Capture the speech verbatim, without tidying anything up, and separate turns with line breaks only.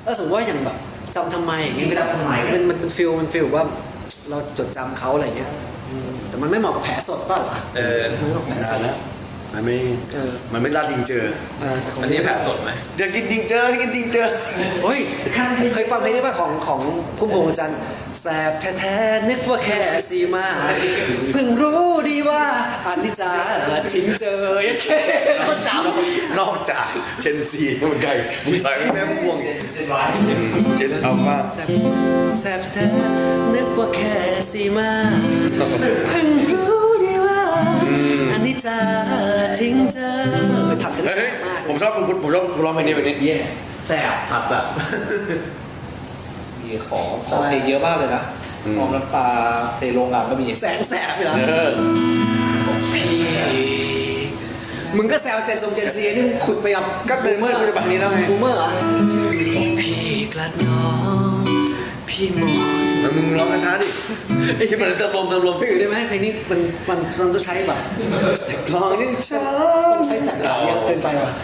เออสมมติว่าอย่างแบบจำทำไมอย่างเงี้ย
จำทำไม
มันมันเป็นฟิลมันฟิลว่าเราจดจำเขาอะไรเงี้ยอืมแต่มันไม่เหมาะกับแผลสดเปล่าวะ
เออ
มันไม่เหมาะกับแผลส
อ่า
ด
แล้วมันไม่
เออ
มันไม่ลาดจริงเจอ
เออแต่ของ
อันนี้แผลสดไหม
อยากกินจริงเจอให้กินจริงเจอ
เฮ้ยเคยฟังเพลงนี้ป่ะของของพุ่มพวงจันทร์แสบแท้ๆนึกว่าแค่ซีมาเพิ่งรู้ดีว่าอันนี้จาทิ้งเจอยัดแค่คนจำ
นอกจากเชนซีมันไก่มึงใส่ไม่แม่พวง
เจ็ดร้อย
เจนเอามา
แสบแสบแท้นึกว่าแค่ซีมาเพิ่งรู้ดีว่าอันนี้จะทิ้งเจอทำจนแส
เฮ้ย
บมาก
ผมชอบผมผมชอบร้องเพลงนี้แบบนี้
เย่แสบครับแบบมีของของเพลงเยอะมากเลยนะมองน้ำตาเทโรงงานก็มี
แสงแสบอยู่แล้ว
เออ
พี่มึงก็แซวเจนทรงเจนซีนี่มึงขุดไปกับ
ก็เป็นเมื่อคุณจะแบบนี้แล้วไง
บูมเมอร์เหรอพี่กลัดน้องพี่มอน
แล้วมึงร้องช้าๆดิไอ้ที่มันเติมลมเติมลม
พี่อยู่ได้ไหมเพลงนี้มันมันมันต้องใช้แบบ
ร้องยังช้า
ต้องใช้จักรยานเยอะเกินไปว่ะ